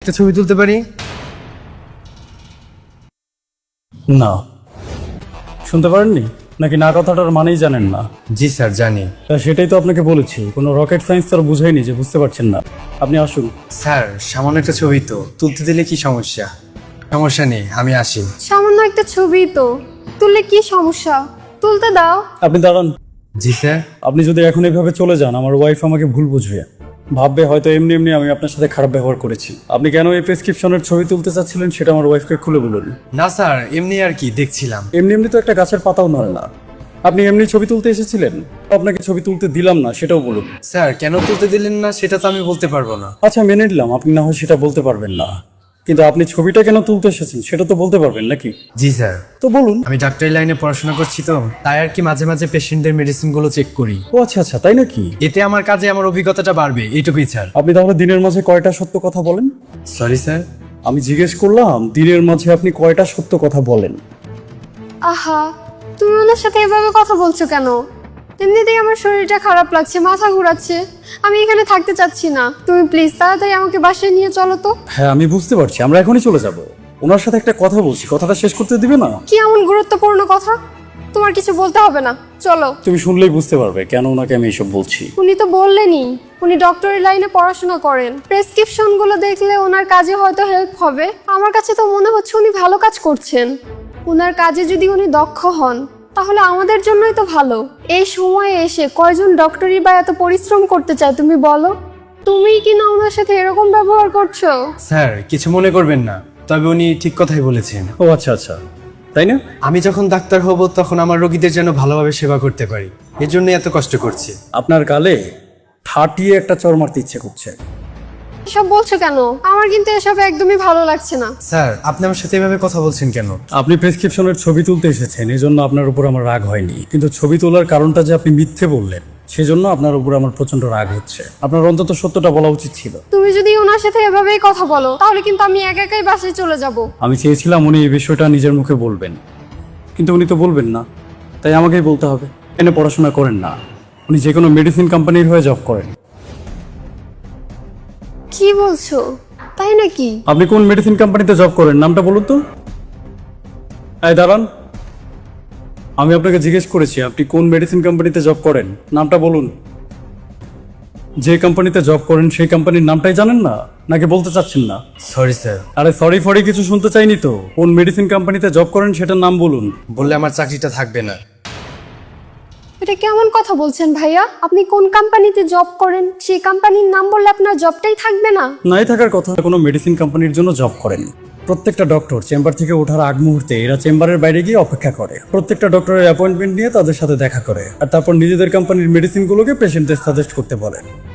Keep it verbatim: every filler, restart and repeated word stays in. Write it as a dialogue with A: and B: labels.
A: একটা ছবি তুলতে পারি?
B: না, শুনতে পারেননি নাকি না কথাটার মানেই জানেন না?
A: জি স্যার, জানি।
B: তা সেটাই তো আপনাকে বলেছি, কোনো রকেট সায়েন্স তো আর বুঝাইনি যে বুঝতে পারছেন না। আপনি আসুন।
A: স্যার, সামান্য একটা ছবি তো, তুলতে দিলে কি সমস্যা? সমস্যা নেই, আমি আসি।
C: সামান্য একটা ছবি তো, তুললে কি সমস্যা? তুলতে দাও।
B: আপনি দাঁড়ান।
A: জি স্যার।
B: আপনি যদি এখন এইভাবে চলে যান, আমার ওয়াইফ আমাকে ভুল বুঝবে, ভাববে হয়তো এমনি এমনি আমি আপনার সাথে খারাপ ব্যবহার করেছি। আপনি কেন এই প্রেসক্রিপশনের ছবি তুলতে চাচ্ছিলেন সেটা আমার ওয়াইফকে খুলে বলুন।
A: না স্যার, এমনি আর কি, দেখছিলাম।
B: এমনি এমনি তো একটা গাছের পাতাও নড়ে না। আপনি এমনি ছবি তুলতে এসেছিলেন, আপনাকে ছবি তুলতে দিলাম না সেটাও বলুন।
A: স্যার, কেন তুলতে দিলেন না সেটা তো আমি বলতে পারবো না।
B: আচ্ছা মেনে নিলাম আপনি না হয় সেটা বলতে পারবেন না, কিন্তু আপনি ছবিটা কেন তুলতে এসেছেন সেটা তো বলতে পারবেন নাকি?
A: জি স্যার।
B: তো বলুন।
A: আমি ডাক্তারি লাইনে পড়াশোনা করছি তো, তাই আর কি মাঝে মাঝে পেশেন্টদের মেডিসিন গুলো চেক করি।
B: ও আচ্ছা আচ্ছা, তাই নাকি?
A: এতে আমার কাজে আমার অভিজ্ঞতাটা বাড়বে, এইটুকুই স্যার।
B: আপনি তাহলে দিনের মাঝে কয়টা সত্য কথা বলেন?
A: Sorry sir.
B: আমি জিজ্ঞেস করলাম দিনের মাঝে আপনি কয়টা সত্য কথা বলেন?
C: আহা, তুমি ওনার সাথে এভাবে কথা বলছো কেন? এমনিতেই আমার শরীরটা খারাপ লাগছে, মাথা ঘোরাচ্ছে, আমি এখানে থাকতে চাচ্ছি না। তুমি প্লিজ তাড়াতাড়ি আমাকে বাসায় নিয়ে চলো তো।
B: হ্যাঁ আমি বুঝতে পারছি, আমরা এখনই চলে যাব। ওনার সাথে একটা কথা বলছি, কথাটা শেষ করতে দিবে না?
C: কি এমন গুরুত্বপূর্ণ কথা? তোমার কিছু বলতে হবে না, চলো।
B: তুমি শুনলেই বুঝতে পারবে কেন ওনাকে আমি এসব বলছি।
C: উনি তো বললেনই উনি ডক্টরি লাইনে পড়াশোনা করেন, প্রেসক্রিপশন গুলো দেখলে ওনার কাজে হয়তো হেল্প হবে। আমার কাছে তো মনে হচ্ছে উনি ভালো কাজ করছেন। ওনার কাজে যদি উনি দক্ষ হন তাহলে আমাদের জন্যই তো ভালো। এই সময়ে এসে কয়জন ডক্টরি বা এত পরিশ্রম করতে চায় তুমি বলো? তুমি কি না ওনার সাথে এরকম ব্যবহার করছো?
A: স্যার, কিছু মনে করবেন না, তবে উনি ঠিক কথাই বলেছেন।
B: ও আচ্ছা আচ্ছা, তাই না?
A: আমি যখন ডাক্তার হব তখন আমার রোগীদের যেন ভালোভাবে সেবা করতে পারি, এর জন্য এত কষ্ট করছি।
B: আপনার গালে ঠাটিয়ে একটা চড় মারতে ইচ্ছে করছে।
C: এসব বলছো কেন? আমার কিন্তু এসব একদমই ভালো লাগছে না।
A: স্যার, আপনি আমার সাথে এভাবে কথা বলছেন কেন?
B: আপনি প্রেসক্রিপশনের ছবি তুলতে এসেছেন, এজন্য আপনার উপর আমার রাগ হয়নি, কিন্তু ছবি তোলার কারণটা যে আপনি মিথ্যে বললেন সেজন্য আপনার উপর আমার প্রচন্ড রাগ হচ্ছে। আপনার অন্তত সত্যটা বলা উচিত ছিল।
C: তুমি যদি ওনার সাথে এভাবেই কথা বলো তাহলে কিন্তু আমি একা একাই বাসায় চলে যাব।
B: আমি চেয়েছিলাম উনি এই বিষয়টা নিজের মুখে বলবেন, কিন্তু উনি তো বলবেন না, তাই আমাকেই বলতে হবে। এনে পড়াশোনা করেন না, উনি যে কোনো মেডিসিন কোম্পানির হয়ে জব করেন।
C: কি বলছো? তাই নাকি?
B: আপনি কোন মেডিসিন কোম্পানিতে জব করেন নামটা বলুন তো। এই দাঁড়ান, আমি আপনাকে জিজ্ঞেস করেছি আপনি কোন মেডিসিন কোম্পানিতে জব করেন, নামটা বলুন। যে কোম্পানিতে জব করেন সেই কোম্পানির নামটাই জানেন না, নাকি বলতে চাচ্ছেন না?
A: Sorry sir.
B: আরে সরি ফরি কিছু শুনতে চাইনি তো, কোন মেডিসিন কোম্পানিতে জব করেন সেটার নাম বলুন।
A: বললে আমার চাকরিটা থাকবে না।
C: এটা কেমন কথা বলছেন ভাইয়া? আপনি কোন কোম্পানিতে জব করেন সেই কোম্পানির নাম বললে আপনার জবটাই থাকবে না?
B: নাই থাকার কথা। কোনো মেডিসিন কোম্পানির জন্য জব করেন। প্রত্যেকটা ডক্টর চেম্বার থেকে ওঠার আগ মুহূর্তে এরা চেম্বারের বাইরে গিয়ে অপেক্ষা করে, প্রত্যেকটা ডক্টরের অ্যাপয়েন্টমেন্ট নিয়ে তাদের সাথে দেখা করে, আর তারপর নিজেদের কোম্পানির মেডিসিনগুলোকে পেশেন্টদের সাজেস্ট করতে বলে।